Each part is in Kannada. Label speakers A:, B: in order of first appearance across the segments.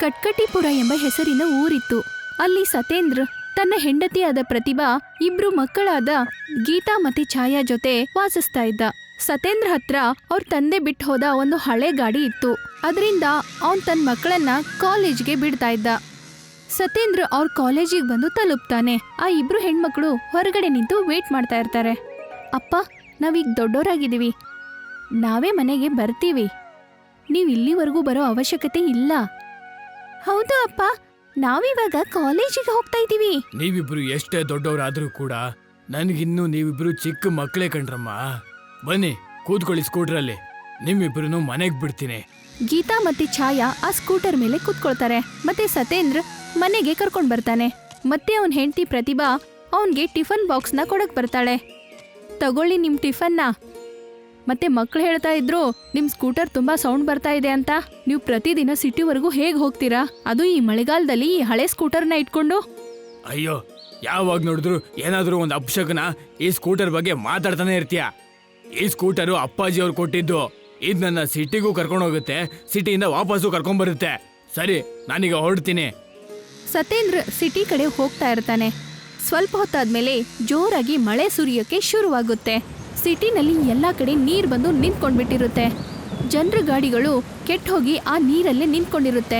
A: ಕಟ್ಕಟಿಪುರ ಎಂಬ ಹೆಸರಿನ ಊರಿತ್ತು. ಅಲ್ಲಿ ಸತೇಂದ್ರ ತನ್ನ ಹೆಂಡತಿಯಾದ ಪ್ರತಿಭಾ, ಇಬ್ರು ಮಕ್ಕಳಾದ ಗೀತಾ ಮತ್ತೆ ಛಾಯಾ ಜೊತೆ ವಾಸಿಸ್ತಾ ಇದ್ದ. ಸತೇಂದ್ರ ಹತ್ರ ಅವ್ರ ತಂದೆ ಬಿಟ್ಟು ಹೋದ ಒಂದು ಹಳೆ ಗಾಡಿ ಇತ್ತು. ಅದರಿಂದ ಅವನ್ ತನ್ನ ಮಕ್ಕಳನ್ನ ಕಾಲೇಜ್ಗೆ ಬಿಡ್ತಾ ಇದ್ದ. ಸತೇಂದ್ರ ಅವ್ರ ಕಾಲೇಜಿಗೆ ಬಂದು ತಲುಪ್ತಾನೆ. ಆ ಇಬ್ರು ಹೆಣ್ಮಕ್ಳು ಹೊರಗಡೆ ನಿಂತು ವೇಟ್ ಮಾಡ್ತಾ ಇರ್ತಾರೆ. ಅಪ್ಪ, ನಾವೀಗ ದೊಡ್ಡೋರಾಗಿದ್ದೀವಿ, ನಾವೇ ಮನೆಗೆ ಬರ್ತೀವಿ, ನೀವು ಇಲ್ಲಿವರೆಗೂ ಬರೋ ಅವಶ್ಯಕತೆ ಇಲ್ಲ. ಹೌದು ಅಪ್ಪ, ನಾವಿವಾಗ ಕಾಲೇಜಿಗೆ ಹೋಗ್ತಾ ಇದ್ದೀವಿ.
B: ನೀವಿಬ್ರು ಎಷ್ಟೇ ದೊಡ್ಡವರಾದ್ರೂ ಕೂಡ ನನ್ಗಿನ್ನೂ ನೀವಿಬ್ರು ಚಿಕ್ಕ ಮಕ್ಕಳೇ ಕಣ್ರಮ್ಮ. ಬನ್ನಿ ಕೂತ್ಕೊಳ್ಳಿ ಸ್ಕೂಟ್ರಲ್ಲಿ, ನಿಮ್ಮಿಬ್ರು ಮನೆಗ್ ಬಿಡ್ತೀನಿ.
A: ಗೀತಾ ಮತ್ತೆ ಛಾಯಾ ಆ ಸ್ಕೂಟರ್ ಮೇಲೆ ಕೂತ್ಕೊಳ್ತಾರೆ. ಮತ್ತೆ ಸತೇಂದ್ರ ಮನೆಗೆ ಕರ್ಕೊಂಡ್ ಬರ್ತಾನೆ. ಮತ್ತೆ ಅವನ್ ಹೆಂಡತಿ ಪ್ರತಿಭಾ ಅವನ್ಗೆ ಟಿಫನ್ ಬಾಕ್ಸ್ನ ಕೊಡಕ್ ಬರ್ತಾಳೆ. ತಗೊಳ್ಳಿ ನಿಮ್ ಟಿಫನ್ನ. ಮತ್ತೆ ಮಕ್ಳು ಹೇಳ್ತಾ ಇದ್ರು, ನಿಮ್ ಸ್ಕೂಟರ್ ತುಂಬಾ ಸೌಂಡ್ ಬರ್ತಾ ಇದೆ ಅಂತ. ನೀವು ಪ್ರತಿದಿನ ಸಿಟಿವರೆಗೂ ಹೇಗ್ ಹೋಗ್ತೀರಾ, ಅದು ಈ ಮಳೆಗಾಲದಲ್ಲಿ ಈ ಹಳೆ ಸ್ಕೂಟರ್ನ ಇಟ್ಕೊಂಡು?
B: ಅಯ್ಯೋ, ಯಾವಾಗ ನೋಡಿದ್ರು ಏನಾದ್ರೂ ಒಂದು ಅಪಶಕನ ಈ ಸ್ಕೂಟರ್ ಬಗ್ಗೆ ಮಾತಾಡ್ತಾನೆ ಇರ್ತೀಯ. ಈ ಸ್ಕೂಟರು ಅಪ್ಪಾಜಿ ಅವ್ರು ಕೊಟ್ಟಿದ್ದು. ಇದು ನನ್ನ ಸಿಟಿಗೂ ಕರ್ಕೊಂಡು ಹೋಗುತ್ತೆ, ಸಿಟಿಯಿಂದ ವಾಪಸ್ಸು ಕರ್ಕೊಂಡ್ ಬರುತ್ತೆ. ಸರಿ, ನಾನೀಗ ಹೊರಡ್ತೀನಿ.
A: ಸತೇಂದ್ರ ಸಿಟಿ ಕಡೆ ಹೋಗ್ತಾ ಇರ್ತಾನೆ. ಸ್ವಲ್ಪ ಹೊತ್ತಾದ್ಮೇಲೆ ಜೋರಾಗಿ ಮಳೆ ಸುರಿಯೋಕೆ ಶುರುವಾಗುತ್ತೆ. ಸಿಟಿನಲ್ಲಿ ಎಲ್ಲಾ ಕಡೆ ನೀರ್ ಬಂದು ನಿಂತ್ಕೊಂಡ್ಬಿಟ್ಟಿರುತ್ತೆ. ಜನರ ಗಾಡಿಗಳು ಕೆಟ್ಟ ಹೋಗಿ ಆ ನೀರಲ್ಲೇ ನಿಂತ್ಕೊಂಡಿರುತ್ತೆ.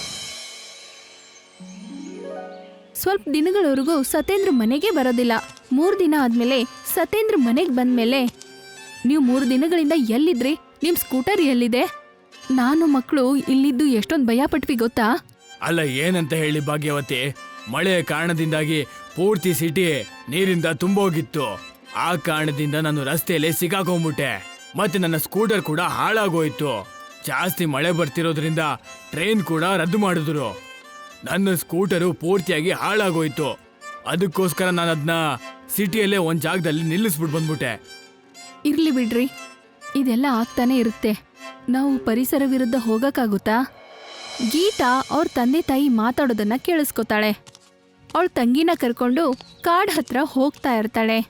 A: ಸ್ವಲ್ಪ ದಿನಗಳವರೆಗೂ ಸತೇಂದ್ರ ಮನೆಗೆ ಬರೋದಿಲ್ಲ. 3 ದಿನ ಆದ್ಮೇಲೆ ಸತೇಂದ್ರ ಮನೆಗೆ ಬಂದ್ಮೇಲೆ, ನೀವು 3 ದಿನಗಳಿಂದ ಎಲ್ಲಿದ್ರಿ? ನಿಮ್ ಸ್ಕೂಟರ್ ಎಲ್ಲಿದೆ? ನಾನು ಮಕ್ಕಳು ಇಲ್ಲಿದ್ದು ಎಷ್ಟೊಂದು ಭಯ ಪಟ್ವಿ ಗೊತ್ತಾ?
B: ಅಲ್ಲ, ಏನಂತ ಹೇಳಿ ಭಾಗ್ಯವತಿ, ಮಳೆ ಕಾರಣದಿಂದಾಗಿ ಪೂರ್ತಿ ಸಿಟಿ ನೀರಿಂದ ತುಂಬೋಗಿತ್ತು. ಆ ಕಾರಣದಿಂದ ನಾನು ರಸ್ತೆಯಲ್ಲಿ ಸಿಕ್ಕಾಕೊಂಡ್ಬಿಟ್ಟೆ. ಮತ್ತೆ ನನ್ನ ಸ್ಕೂಟರ್ ಕೂಡ ಹಾಳಾಗೋಯ್ತು. ಜಾಸ್ತಿ ಮಳೆ ಬರ್ತಿರೋದ್ರಿಂದ ಟ್ರೈನ್ ಕೂಡ ರದ್ದು ಮಾಡಿದ್ರು. ನನ್ನ ಸ್ಕೂಟರು ಪೂರ್ತಿಯಾಗಿ ಹಾಳಾಗೋಯ್ತು. ಅದಕ್ಕೋಸ್ಕರ ನಾನು ಅದನ್ನ ಸಿಟಿಯಲ್ಲೇ ಒಂದ್ ಜಾಗದಲ್ಲಿ ನಿಲ್ಲಿಸ್ಬಿಟ್ಟು ಬಂದ್ಬಿಟ್ಟೆ.
A: ಇರ್ಲಿ ಬಿಡ್ರಿ, ಇದೆಲ್ಲ ಆಗ್ತಾನೆ ಇರುತ್ತೆ. ನಾವು ಪರಿಸರ ವಿರುದ್ಧ ಹೋಗಕ್ಕಾಗುತ್ತಾ? ಗೀತಾ ಅವ್ರ ತಂದೆ ತಾಯಿ ಮಾತಾಡೋದನ್ನ ಕೇಳಿಸ್ಕೊತಾಳೆ. ಅವಳ ತಂಗಿನ ಕರ್ಕೊಂಡು ಕಾಡ್ ಹತ್ರ ಹೋಗ್ತಾ ಇರ್ತಾಳೆ.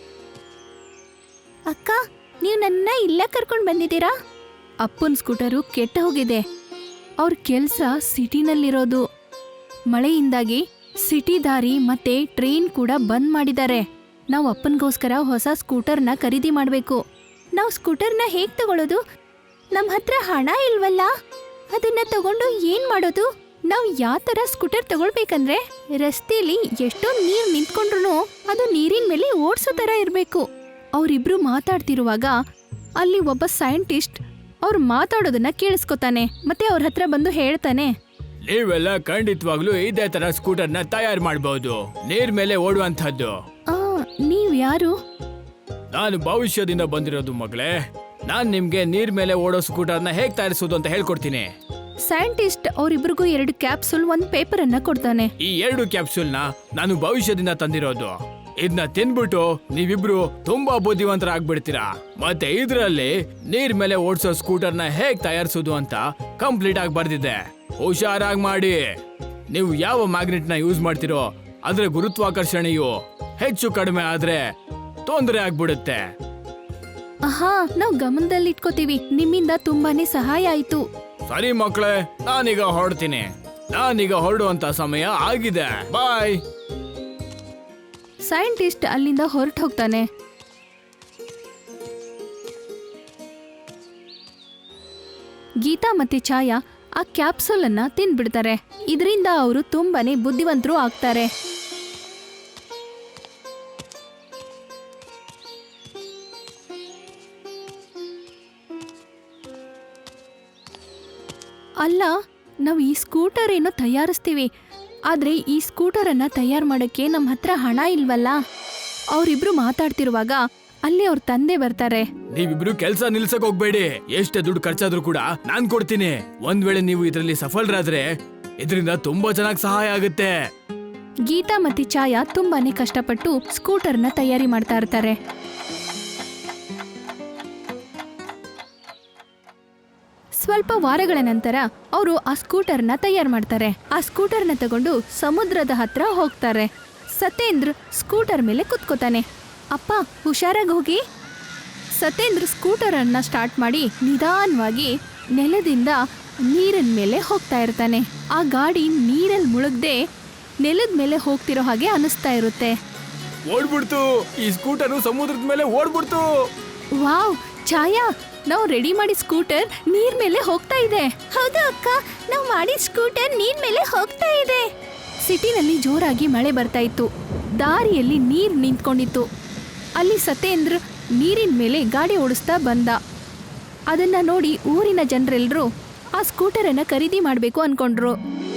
A: ಅಕ್ಕ, ನೀವು ನನ್ನ ಇಲ್ಲ ಕರ್ಕೊಂಡು ಬಂದಿದ್ದೀರಾ? ಅಪ್ಪನ ಸ್ಕೂಟರು ಕೆಟ್ಟ ಹೋಗಿದೆ. ಅವ್ರ ಕೆಲ್ಸ ಸಿಟಿನಲ್ಲಿರೋದು. ಮಳೆಯಿಂದಾಗಿ ಸಿಟಿ ದಾರಿ ಮತ್ತೆ ಟ್ರೈನ್ ಕೂಡ ಬಂದ್ ಮಾಡಿದ್ದಾರೆ. ನಾವು ಅಪ್ಪನಿಗೋಸ್ಕರ ಹೊಸ ಸ್ಕೂಟರ್ನ ಖರೀದಿ ಮಾಡಬೇಕು. ನಾವು ಸ್ಕೂಟರ್ನ ಹೇಗ್ ತಗೊಳ್ಳೋದು? ನಮ್ಮ ಹತ್ರ ಹಣ ಇಲ್ವಲ್ಲ, ಅದನ್ನ ತಗೊಂಡು ಏನ್ ಮಾಡೋದು? ನಾವು ಯಾವ ತರ ಸ್ಕೂಟರ್ ತಗೊಳ್ಬೇಕಂದ್ರೆ, ರಸ್ತೆಯಲ್ಲಿ ಎಷ್ಟೊಂದು ನೀರು ನಿಂತ್ಕೊಂಡ್ರು ಅದು ನೀರಿನ ಮೇಲೆ ಓಡ್ಸೋ ತರ ಇರಬೇಕು. ಅವರಿಬ್ರು ಮಾತಾಡ್ತಿರುವಾಗ ಅಲ್ಲಿ ಒಬ್ಬ ಸೈಂಟಿಸ್ಟ್ ಅವ್ರು ಮಾತಾಡೋದನ್ನ ಕೇಳಿಸ್ಕೊತಾನೆ. ಮತ್ತೆ ಅವ್ರ ಹತ್ರ ಬಂದು ಹೇಳ್ತಾನೆ,
B: ನೀವೆಲ್ಲ ಖಂಡಿತವಾಗ್ಲೂ ಇದೇ ತರ ಸ್ಕೂಟರ್ನ ತಯಾರು ಮಾಡಬಹುದು, ನೀರ್ ಮೇಲೆ ಓಡುವಂತಹದ್ದು.
A: ನೀವ್ ಯಾರು?
B: ನಾನು ಭವಿಷ್ಯದಿಂದ ಬಂದಿರೋದು ಮಗಳೇ. ನಾನ್ ನಿಮ್ಗೆ ನೀರ್ ಮೇಲೆ ಓಡೋ ಸ್ಕೂಟರ್ನ ಹೇಗ್ ತಯಾರಿಸೋದು ಅಂತ ಹೇಳ್ಕೊಡ್ತೀನಿ.
A: ಸೈಂಟಿಸ್ಟ್ ಅವರಿಬ್ರಿಗೂ 2 ಕ್ಯಾಪ್ಸೂಲ್, 1 ಪೇಪರ್ ಅನ್ನ ಕೊಡ್ತಾನೆ.
B: ಈ 2 ಕ್ಯಾಪ್ಸೂಲ್ನ ನಾನು ಭವಿಷ್ಯದಿಂದ ತಂದಿರೋದು. ಇದನ್ನ ತಿನ್ಬಿಟ್ಟು ನೀವಿಬ್ರು ತುಂಬಾ ಬುದ್ಧಿವಂತರಾಗ್ಬಿಡ್ತೀರಾ. ಮತ್ತೆ ಇದ್ರಲ್ಲಿ ನೀರ್ ಮೇಲೆ ಓಡಿಸೋ ಸ್ಕೂಟರ್ನ ಹೇಗ್ ತಯಾರಿಸೋದು ಅಂತ ಕಂಪ್ಲೀಟ್ ಆಗಿ ಬರ್ದಿದೆ. ಹುಷಾರಾಗಿ ಮಾಡಿ. ನೀವು ಯಾವ ಮ್ಯಾಗ್ನೆಟ್ ನ ಯೂಸ್ ಮಾಡ್ತಿರೋ ಅದ್ರ ಗುರುತ್ವಾಕರ್ಷಣೆಯು ಹೆಚ್ಚು ಕಡಿಮೆ ಆದ್ರೆ ತೊಂದರೆ ಆಗ್ಬಿಡುತ್ತೆ.
A: ನಾವು ಗಮನದಲ್ಲಿ ಇಟ್ಕೋತೀವಿ. ನಿಮ್ಮಿಂದ ತುಂಬಾನೇ ಸಹಾಯ ಆಯ್ತು.
B: ಸರಿ ಮಕ್ಕಳೇ, ನಾನೀಗ ಹೊರಡ್ತೀನಿ. ನಾನೀಗ ಹೊರಡುವಂತ ಸಮಯ ಆಗಿದೆ. ಬಾಯ್.
A: ಸೈಂಟಿಸ್ಟ್ ಅಲ್ಲಿಂದ ಹೊರಟು ಹೋಗ್ತಾನೆ. ಗೀತಾ ಮತ್ತೆ ಛಾಯಾ ಆ ಕ್ಯಾಪ್ಸೂಲ್ ಅನ್ನ ತಿಂದ್ಬಿಡ್ತಾರೆ. ಇದರಿಂದ ಅವರು ತುಂಬಾನೇ ಬುದ್ಧಿವಂತರು ಆಗ್ತಾರೆ. ಅಲ್ಲ, ನಾವು ಈ ಸ್ಕೂಟರ್ ಏನೋ ತಯಾರಿಸ್ತೀವಿ, ಆದ್ರೆ ಈ ಸ್ಕೂಟರ್ ಅನ್ನ ತಯಾರು ಮಾಡಕ್ಕೆ ನಮ್ಮ ಹತ್ರ ಹಣ ಇಲ್ವಲ್ಲ. ಅವರಿಬ್ರು ಮಾತಾಡ್ತಿರುವಾಗ ಅಲ್ಲಿ ಅವ್ರ ತಂದೆ ಬರ್ತಾರೆ.
B: ನೀವಿಬ್ರು ಕೆಲ್ಸ ನಿಲ್ಸಕ್ ಹೋಗ್ಬೇಡಿ. ಎಷ್ಟೇ ದುಡ್ಡು ಖರ್ಚಾದ್ರೂ ಕೂಡ ನಾನ್ ಕೊಡ್ತೀನಿ. ಒಂದ್ ವೇಳೆ ನೀವು ಇದರಲ್ಲಿ ಸಫಲರಾದ್ರೆ ಇದರಿಂದ ತುಂಬಾ ಚೆನ್ನಾಗಿ ಸಹಾಯ ಆಗುತ್ತೆ.
A: ಗೀತಾ ಮತ್ತೆ ಛಾಯಾ ತುಂಬಾನೇ ಕಷ್ಟಪಟ್ಟು ಸ್ಕೂಟರ್ನ ತಯಾರಿ ಮಾಡ್ತಾ ಇರ್ತಾರೆ. ಸ್ವಲ್ಪ ವಾರಗಳ ನಂತರ ಅವರು ಆ ಸ್ಕೂಟರ್ನ ತಯಾರು ಮಾಡ್ತಾರೆ. ಆ ಸ್ಕೂಟರ್ನ ತಗೊಂಡು ಸಮುದ್ರದ ಹತ್ರ ಹೋಗ್ತಾರೆ. ಸತೇಂದ್ರ ಸ್ಕೂಟರ್ ಮೇಲೆ ಕುತ್ಕೋತಾನೆ. ಅಪ್ಪ, ಹುಷಾರಾಗಿ ಹೋಗಿ. ಸತೇಂದ್ರ ಸ್ಕೂಟರ್ ಅನ್ನ ಸ್ಟಾರ್ಟ್ ಮಾಡಿ ನಿಧಾನವಾಗಿ ನೆಲದಿಂದ ನೀರಿನ ಮೇಲೆ ಹೋಗ್ತಾ ಇರ್ತಾನೆ. ಆ ಗಾಡಿ ನೀರಲ್ಲಿ ಮುಳುಗ್ದೆ ನೆಲದ ಮೇಲೆ ಹೋಗ್ತಿರೋ ಹಾಗೆ ಅನಿಸ್ತಾ ಇರುತ್ತೆ.
B: ಓಡ್ಬಿಡ್ತು, ಈ ಸ್ಕೂಟರು ಸಮುದ್ರದ ಮೇಲೆ ಓಡ್ಬಿಡ್ತು.
A: ವಾವ್ ಛಾಯಾ, ನಾವು ರೆಡಿ ಮಾಡಿ ಸ್ಕೂಟರ್ ನೀರ್ ಮೇಲೆ ಹೋಗ್ತಾ ಇದೆ. ಹೌದು ಅಕ್ಕ, ನಾವು ಮಾಡಿ ಸ್ಕೂಟರ್ ನೀರ್ ಮೇಲೆ ಹೋಗ್ತಾ ಇದೆ. ಸಿಟಿನಲ್ಲಿ ಜೋರಾಗಿ ಮಳೆ ಬರ್ತಾ ಇತ್ತು. ದಾರಿಯಲ್ಲಿ ನೀರ್ ನಿಂತ್ಕೊಂಡಿತ್ತು. ಅಲ್ಲಿ ಸತ್ಯೇಂದ್ರ ನೀರಿನ ಮೇಲೆ ಗಾಡಿ ಓಡಿಸ್ತಾ ಬಂದ. ಅದನ್ನ ನೋಡಿ ಊರಿನ ಜನರೆಲ್ಲರೂ ಆ ಸ್ಕೂಟರನ್ನ ಖರೀದಿ ಮಾಡಬೇಕು ಅನ್ಕೊಂಡ್ರು.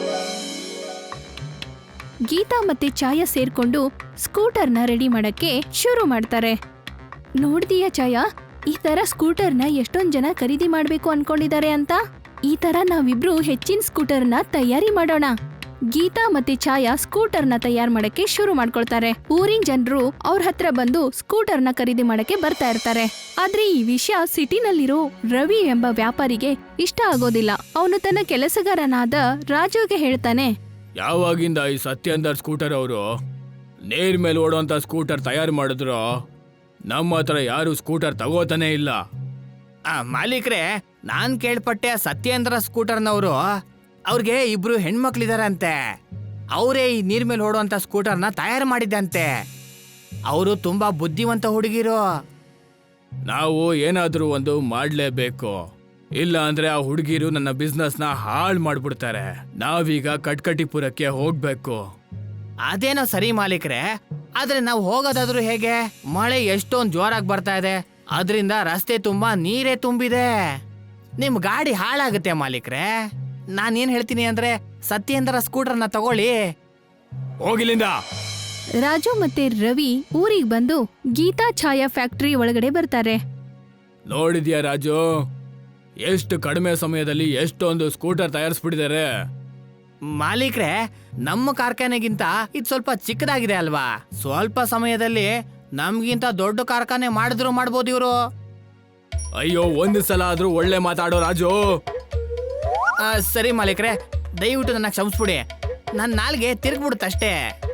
A: ಗೀತಾ ಮತ್ತೆ ಛಾಯಾ ಸೇರ್ಕೊಂಡು ಸ್ಕೂಟರ್ನ ರೆಡಿ ಮಾಡಕ್ಕೆ ಶುರು ಮಾಡ್ತಾರೆ. ನೋಡ್ದೀಯಾ ಛಾಯಾ, ಈ ತರ ಸ್ಕೂಟರ್ನ ಎಷ್ಟೊಂದ್ ಜನ ಖರೀದಿ ಮಾಡ್ಬೇಕು ಅನ್ಕೊಂಡಿದ್ದಾರೆ ಅಂತ. ಈ ತರ ನಾವಿಬ್ರು ಹೆಚ್ಚಿನ ಸ್ಕೂಟರ್ನ ತಯಾರಿ ಮಾಡೋಣ. ಗೀತಾ ಮತ್ತೆ ಛಾಯಾ ಸ್ಕೂಟರ್ನ ತಯಾರು ಮಾಡಕ್ಕೆ ಶುರು ಮಾಡ್ಕೊಳ್ತಾರೆ. ಊರಿನ ಜನರು ಅವ್ರ ಹತ್ರ ಬಂದು ಸ್ಕೂಟರ್ನ ಖರೀದಿ ಮಾಡಕ್ಕೆ ಬರ್ತಾ ಇರ್ತಾರೆ. ಆದ್ರೆ ಈ ವಿಷಯ ಸಿಟಿನಲ್ಲಿರೋ ರವಿ ಎಂಬ ವ್ಯಾಪಾರಿಗೆ ಇಷ್ಟ ಆಗೋದಿಲ್ಲ. ಅವನು ತನ್ನ ಕೆಲಸಗಾರನಾದ ರಾಜುಗೆ ಹೇಳ್ತಾನೆ,
B: ಯಾವಾಗಿಂದ ಈ ಸತ್ಯೇಂದರ್ ಸ್ಕೂಟರ್ ಅವರು ನೀರ್ ಮೇಲೆ ಓಡುವಂತ ಸ್ಕೂಟರ್ ತಯಾರು ಮಾಡಿದ್ರು, ನಮ್ಮ ಹತ್ರ ಯಾರು ಸ್ಕೂಟರ್ ತಗೋತಾನೆ ಇಲ್ಲ.
C: ಮಾಲೀಕ್ರೆ, ನಾನ್ ಕೇಳ್ಪಟ್ಟೆ ಸತ್ಯೇಂದ್ರ ಸ್ಕೂಟರ್ನವರು ಅವ್ರಿಗೆ ಇಬ್ರು ಹೆಣ್ಮಕ್ಳಿದಾರಂತೆ. ಅವರೇ ಈ ನೀರ್ ಮೇಲೆ ಓಡುವಂತ ಸ್ಕೂಟರ್ನ ತಯಾರು ಮಾಡಿದ್ದಂತೆ. ಅವರು ತುಂಬಾ ಬುದ್ಧಿವಂತ ಹುಡುಗಿರು.
B: ನಾವು ಏನಾದ್ರೂ ಒಂದು ಮಾಡ್ಲೇಬೇಕು, ಇಲ್ಲ ಅಂದ್ರೆ ಆ ಹುಡುಗಿರು ನನ್ನ ಬಿಸ್ನೆಸ್ನ ಹಾಳು ಮಾಡ್ಬಿಡ್ತಾರೆ. ನಾವೀಗ ಕಟ್ಕಟಿಪುರಕ್ಕೆ ಹೋಗ್ಬೇಕು.
C: ಅದೇನೋ ಸರಿ ಮಾಲೀಕ್ರೆ, ಆದ್ರೆ ನಾವು ಹೋಗೋದಾದ್ರೂ ಹೇಗೆ? ಮಳೆ ಎಷ್ಟೊಂದು ಜೋರಾಗಿ ಬರ್ತಾ ಇದೆ, ಅದರಿಂದ ರಸ್ತೆ ತುಂಬಾ ನೀರೇ ತುಂಬಿದೆ. ನಿಮ್ ಗಾಡಿ ಹಾಳಾಗುತ್ತೆ ಮಾಲೀಕ್ರೆ. ನಾನೇನ್ ಹೇಳ್ತೀನಿ ಅಂದ್ರೆ ಸತ್ಯೇಂದ್ರ ಸ್ಕೂಟರ್ನ ತಗೊಳ್ಳಿ.
B: ಹೋಗಿಲ್ಲಿಂದ.
A: ರಾಜು ಮತ್ತೆ ರವಿ ಊರಿಗೆ ಬಂದು ಗೀತಾ ಛಾಯಾ ಫ್ಯಾಕ್ಟರಿ ಒಳಗಡೆ ಬರ್ತಾರೆ.
B: ನೋಡಿದ್ಯಾ ರಾಜು, ಎಷ್ಟು ಕಡಿಮೆ ಸಮಯದಲ್ಲಿ ಎಷ್ಟೊಂದು ಸ್ಕೂಟರ್ ತಯಾರಿಸ್ಬಿಟ್ಟಿದ್ದಾರೆ.
C: ಮಾಲೀಕ್ರೆ, ನಮ್ಮ ಕಾರ್ಖಾನೆಗಿಂತ ಇದು ಸ್ವಲ್ಪ ಚಿಕ್ಕದಾಗಿದೆ ಅಲ್ವಾ? ಸ್ವಲ್ಪ ಸಮಯದಲ್ಲಿ ನಮ್ಗಿಂತ ದೊಡ್ಡ ಕಾರ್ಖಾನೆ ಮಾಡಿದ್ರು ಮಾಡ್ಬೋದು ಇವರು.
B: ಅಯ್ಯೋ, ಒಂದು ಸಲ ಆದ್ರೂ ಒಳ್ಳೆ ಮಾತಾಡೋ ರಾಜು.
C: ಸರಿ ಮಾಲೀಕ್ರೆ, ದಯವಿಟ್ಟು ನನ್ನ ಕ್ಷಮಿಸ್ಬಿಡಿ. ನನ್ನ ನಾಲ್ಗೆ ತಿರುಗ್ಬಿಡುತ್ತಷ್ಟೇ.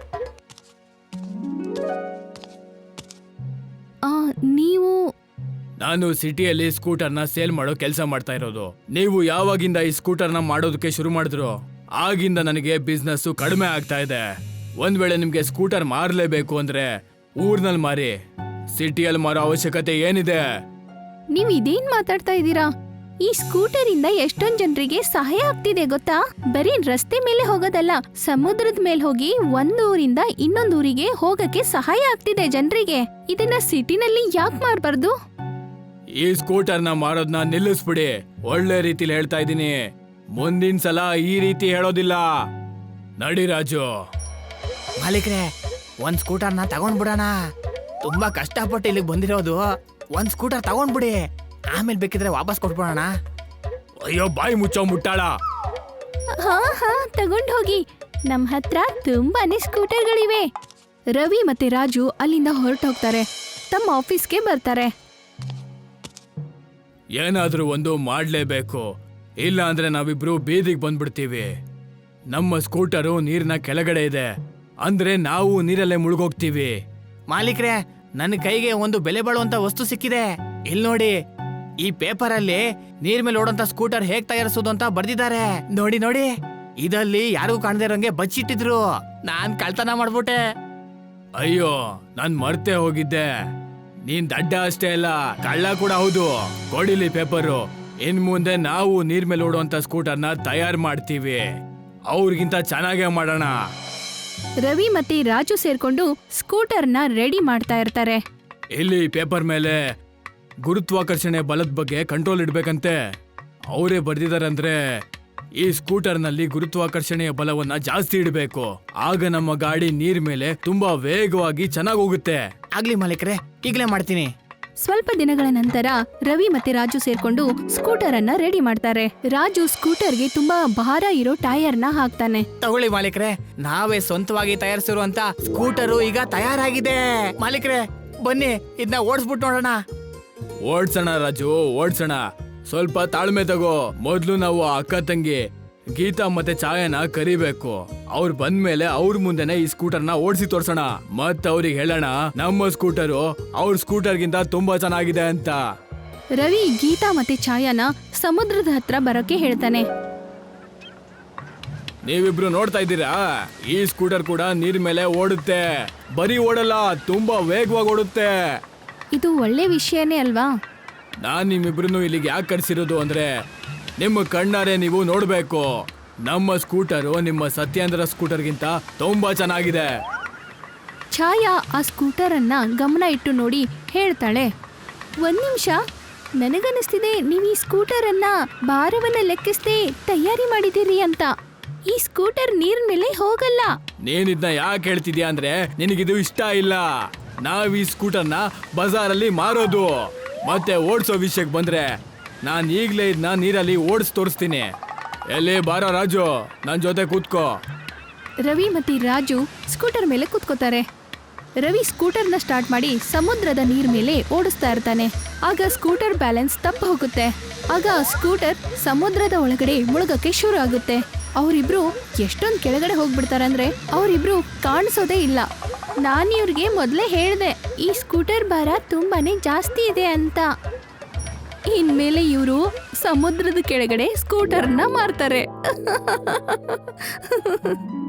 A: ನೀವು?
B: ನಾನು ಸಿಟಿಯಲ್ಲಿ ಸ್ಕೂಟರ್ನ ಸೇಲ್ ಮಾಡೋ ಕೆಲಸ ಮಾಡ್ತಾ ಇರೋದು. ನೀವು ಯಾವಾಗಿಂದ ಈ ಸ್ಕೂಟರ್ನ ಮಾಡೋದಕ್ಕೆ ಶುರು ಮಾಡಿದ್ರು ಆಗಿಂದ ನನಗೆ ಬಿಸ್ನೆಸ್ ಕಡಿಮೆ ಆಗ್ತಾ ಇದೆ. ಒಂದ್ ವೇಳೆ ನಿಮ್ಗೆ ಸ್ಕೂಟರ್ ಮಾರಲೇಬೇಕು ಅಂದ್ರೆ ಊರ್ನಲ್ಲಿ ಮಾರಿ, ಸಿಟಿಯಲ್ಲಿ ಮಾರೋ ಅವಶ್ಯಕತೆ ಏನಿದೆ?
A: ನೀವ್ ಇದೇನ್ ಮಾತಾಡ್ತಾ ಇದ್ದೀರಾ? ಈ ಸ್ಕೂಟರ್ ಇಂದ ಎಷ್ಟೊಂದ್ ಜನರಿಗೆ ಸಹಾಯ ಆಗ್ತಿದೆ ಗೊತ್ತಾ? ಬರೀ ರಸ್ತೆ ಮೇಲೆ ಹೋಗೋದಲ್ಲ, ಸಮುದ್ರದ ಮೇಲೆ ಹೋಗಿ ಒಂದ್ ಊರಿಂದ ಇನ್ನೊಂದ್ ಊರಿಗೆ ಹೋಗಕ್ಕೆ ಸಹಾಯ ಆಗ್ತಿದೆ ಜನರಿಗೆ. ಇದನ್ನ ಸಿಟಿನಲ್ಲಿ ಯಾಕೆ ಮಾರ್ಬಾರ್ದು?
B: ಈ ಸ್ಕೂಟರ್ನ ಮಾರೋದ್ನ ನಿಲ್ಲಿಸ್ಬಿಡಿ. ಒಳ್ಳೆ ರೀತಿಲಿ ಹೇಳ್ತಾ ಇದ್ದೀನಿ. ಮುಂದಿನ ಸಲ ಈ ರೀತಿ ಹೇಳೋದಿಲ್ಲ. ನಡಿ ರಾಜು.
C: ಮಾಲೀಕ್ರೆ, ಒಂದ್ ಸ್ಕೂಟರ್ನ ತಗೊಂಡ್ಬಿಡೋಣ. ತುಂಬಾ ಕಷ್ಟಪಟ್ಟು ಇಲ್ಲಿಗೆ ಬಂದಿರೋದು. ಒಂದ್ ಸ್ಕೂಟರ್ ತಗೊಂಡ್ಬಿಡಿ, ಆಮೇಲೆ ಬೇಕಿದ್ರೆ ವಾಪಸ್ ಕೊಟ್ಬಿಡೋಣ.
B: ಅಯ್ಯೋ, ಬಾಯಿ ಮುಚ್ಚೋ ಮುಟ್ಟಾಳ.
A: ಹಾ ತಗೊಂಡ್ ಹೋಗಿ, ನಮ್ ಹತ್ರ ತುಂಬಾನೇ ಸ್ಕೂಟರ್ಗಳಿವೆ. ರವಿ ಮತ್ತೆ ರಾಜು ಅಲ್ಲಿಂದ ಹೊರಟೋಗ್ತಾರೆ. ತಮ್ಮ ಆಫೀಸ್ಗೆ ಬರ್ತಾರೆ.
B: ಏನಾದ್ರೂ ಒಂದು ಮಾಡ್ಲೇಬೇಕು, ಇಲ್ಲ ಅಂದ್ರೆ ನಾವಿಬ್ರು ಬೀದಿಗೆ ಬಂದ್ಬಿಡ್ತೀವಿ. ನಮ್ಮ ಸ್ಕೂಟರು ನೀರಿನ ಕೆಳಗಡೆ ಇದೆ, ಅಂದ್ರೆ ನಾವು ನೀರಲ್ಲೇ ಮುಳುಗೋಗ್ತೀವಿ.
C: ಮಾಲೀಕ್ರೆ, ನನ್ನ ಕೈಗೆ ಒಂದು ಬೆಲೆ ಬಾಳುವಂತ ವಸ್ತು ಸಿಕ್ಕಿದೆ. ಇಲ್ಲಿ ನೋಡಿ, ಈ ಪೇಪರ್ ಅಲ್ಲಿ ನೀರ್ ಮೇಲೆ ಓಡೋಂತ ಸ್ಕೂಟರ್ ಹೇಗ್ ತಯಾರಿಸೋದು ಅಂತ ಬರ್ದಿದ್ದಾರೆ. ನೋಡಿ ನೋಡಿ, ಇದಲ್ಲಿ ಯಾರಿಗೂ ಕಾಣದೇ ಇರೋಂಗೆ ಬಚ್ಚಿಟ್ಟಿದ್ರು. ನಾನ್ ಕಳ್ತನ ಮಾಡ್ಬಿಟ್ಟೆ.
B: ಅಯ್ಯೋ, ನಾನ್ ಮರ್ತೇ ಹೋಗಿದ್ದೆ. ನೀನ್ ದಡ್ಡ ಅಷ್ಟೇ ಅಲ್ಲ, ಕಳ್ಳ ಕೂಡ ಹೌದು. ಕೊಡಿಲಿ ಪೇಪರು. ಇನ್ ಮುಂದೆ ನಾವು ನೀರ್ ಮೇಲೆ ಓಡುವಂತ ಸ್ಕೂಟರ್ನ ತಯಾರು ಮಾಡ್ತೀವಿ. ಅವ್ರಿಗಿಂತ ಚೆನ್ನಾಗೇ ಮಾಡೋಣ.
A: ರವಿ ಮತ್ತೆ ರಾಜು ಸೇರ್ಕೊಂಡು ಸ್ಕೂಟರ್ನ ರೆಡಿ ಮಾಡ್ತಾ ಇರ್ತಾರೆ.
B: ಇಲ್ಲಿ ಪೇಪರ್ ಮೇಲೆ ಗುರುತ್ವಾಕರ್ಷಣೆ ಬಲದ ಬಗ್ಗೆ ಕಂಟ್ರೋಲ್ ಇಡ್ಬೇಕಂತೆ. ಅವರೇ ಬರ್ದಿದಾರಂದ್ರೆ ಈ ಸ್ಕೂಟರ್ನಲ್ಲಿ ಗುರುತ್ವಾಕರ್ಷಣೆಯ ಬಲವನ್ನ ಜಾಸ್ತಿ ಇಡಬೇಕು. ಆಗ ನಮ್ಮ ಗಾಡಿ ನೀರ್ ಮೇಲೆ ತುಂಬಾ ವೇಗವಾಗಿ ಚೆನ್ನಾಗಿ ಹೋಗುತ್ತೆ.
C: ಆಗ್ಲಿ ಮಾಲೀಕ್ರೆ, ಈಗ್ಲೇ ಮಾಡ್ತೀನಿ.
A: ಸ್ವಲ್ಪ ದಿನಗಳ ನಂತರ ರವಿ ಮತ್ತೆ ರಾಜು ಸೇರ್ಕೊಂಡು ಸ್ಕೂಟರ್ ಅನ್ನ ರೆಡಿ ಮಾಡ್ತಾರೆ. ರಾಜು ಸ್ಕೂಟರ್ಗೆ ತುಂಬಾ ಭಾರ ಇರೋ ಟೈರ್ನ ಹಾಕ್ತಾನೆ.
C: ತಗೊಳ್ಳಿ ಮಾಲೀಕ್ರೆ, ನಾವೇ ಸ್ವಂತವಾಗಿ ತಯಾರಿಸಿರುವಂತ ಸ್ಕೂಟರು ಈಗ ತಯಾರಾಗಿದೆ. ಮಾಲೀಕ್ರೆ, ಬನ್ನಿ ಇದನ್ನ ಓಡಿಸ್ಬಿಟ್ಟು ನೋಡೋಣ.
B: ಓಡ್ಸೋಣ ರಾಜು, ಓಡ್ಸೋಣ. ಸ್ವಲ್ಪ ತಾಳ್ಮೆ ತಗೋ. ಮೊದ್ಲು ನಾವು ಅಕ್ಕ ತಂಗಿ ಗೀತಾ ಮತ್ತೆ ಛಾಯಾನ ಕರಿಬೇಕು. ಅವ್ರು ಬಂದ್ಮೇಲೆ ಅವ್ರ ಮುಂದೆನೆ ಈ ಸ್ಕೂಟರ್ನ ಓಡಿಸಿ ತೋರ್ಸೋಣ. ಮತ್ ಅವ್ರಿಗೆ ಹೇಳೋಣ ನಮ್ಮ ಸ್ಕೂಟರು ಅವ್ರ ಸ್ಕೂಟರ್ಗಿಂತ ತುಂಬಾ ಚೆನ್ನಾಗಿದೆ ಅಂತ.
A: ರವಿ ಗೀತಾ ಮತ್ತೆ ಛಾಯಾನ ಸಮುದ್ರದ ಹತ್ರ ಬರೋಕೆ ಹೇಳ್ತಾನೆ.
B: ನೀವಿಬ್ರು ನೋಡ್ತಾ ಇದ್ದೀರಾ, ಈ ಸ್ಕೂಟರ್ ಕೂಡ ನೀರ್ ಮೇಲೆ ಓಡುತ್ತೆ. ಬರೀ ಓಡಲ್ಲ, ತುಂಬಾ ವೇಗವಾಗಿ ಓಡುತ್ತೆ.
A: ಇದು ಒಳ್ಳೆ ವಿಷಯನೇ ಅಲ್ವಾ?
B: ನಾನ್ ನಿಮ್ಮಿಬ್ರು ಇಲ್ಲಿಗೆ ಯಾಕೆ ಕರ್ಸಿರೋದು ಅಂದ್ರೆ ನಿಮ್ಮ ಕಣ್ಣಾರೆ ನೀವು ನೋಡ್ಬೇಕು. ನಮ್ಮ ಸ್ಕೂಟರು ನಿಮ್ಮ ಸತ್ಯೇಂದ್ರ ಸ್ಕೂಟರ್ಗಿಂತ ತುಂಬಾ ಚೆನ್ನಾಗಿದೆ.
A: ಛಾಯಾ ಆ ಸ್ಕೂಟರ್ ಅನ್ನ ಗಮನ ಇಟ್ಟು ನೋಡಿ ಹೇಳ್ತಾಳೆ, ಒಂದ್ ನಿಮಿಷ, ನನಗನ್ನಿಸ್ತಿದೆ ನೀವು ಈ ಸ್ಕೂಟರ್ ಅನ್ನ ಭಾರವನ್ನ ಲೆಕ್ಕಿಸದೆ ತಯಾರಿ ಮಾಡಿದ್ದೀರಿ ಅಂತ. ಈ ಸ್ಕೂಟರ್ ನೀರ್ ಮೇಲೆ ಹೋಗಲ್ಲ.
B: ನೀನಿದ್ನ ಯಾಕೆ ಹೇಳ್ತಿದ್ಯಾ ಅಂದ್ರೆ ನಿನಗಿದು ಇಷ್ಟ ಇಲ್ಲ. ನಾವ್ ಈ ಸ್ಕೂಟರ್ನ ಬಜಾರಲ್ಲಿ ಮಾರೋದು. ಮತ್ತೆ ಓಡಿಸೋ ವಿಷಯಕ್ಕೆ ಬಂದ್ರೆ ನಾನ್ ಈಗ್ಲೇ ಇದನ್ನ ನೀರಲ್ಲಿ ಓಡಿಸ್ ತೋರಿಸ್ತೀನಿ. ಎಲ್ಲಿ ಬಾರೋ ರಾಜು, ನನ್ ಜೊತೆ ಕೂತ್ಕೋ.
A: ರವಿ ಮತ್ತೆ ರಾಜು ಸ್ಕೂಟರ್ ಮೇಲೆ ಕೂತ್ಕೋತಾರೆ. ರವಿ ಸ್ಕೂಟರ್ನ ಸ್ಟಾರ್ಟ್ ಮಾಡಿ ಸಮುದ್ರದ ನೀರ್ ಮೇಲೆ ಓಡಿಸ್ತಾ ಇರ್ತಾನೆ. ಆಗ ಸ್ಕೂಟರ್ ಬ್ಯಾಲೆನ್ಸ್ ತಪ್ಪು ಹೋಗುತ್ತೆ. ಆಗ ಸ್ಕೂಟರ್ ಸಮುದ್ರದ ಒಳಗಡೆ ಮುಳುಗಕ್ಕೆ ಶುರು ಆಗುತ್ತೆ. ಅವರಿಬ್ರು ಎಷ್ಟೊಂದು ಕೆಳಗಡೆ ಹೋಗ್ಬಿಡ್ತಾರೆ ಅಂದ್ರೆ ಅವರಿಬ್ರು ಕಾಣಿಸೋದೇ ಇಲ್ಲ. ನಾನು ಇವ್ರಿಗೆ ಮೊದಲೇ ಹೇಳಿದೆ, ಈ ಸ್ಕೂಟರ್ ಭಾರ ತುಂಬಾನೇ ಜಾಸ್ತಿ ಇದೆ ಅಂತ. ಇನ್ಮೇಲೆ ಇವರು ಸಮುದ್ರದ ಕೆಳಗಡೆ ಸ್ಕೂಟರ್ನ ಮಾರ್ತಾರೆ.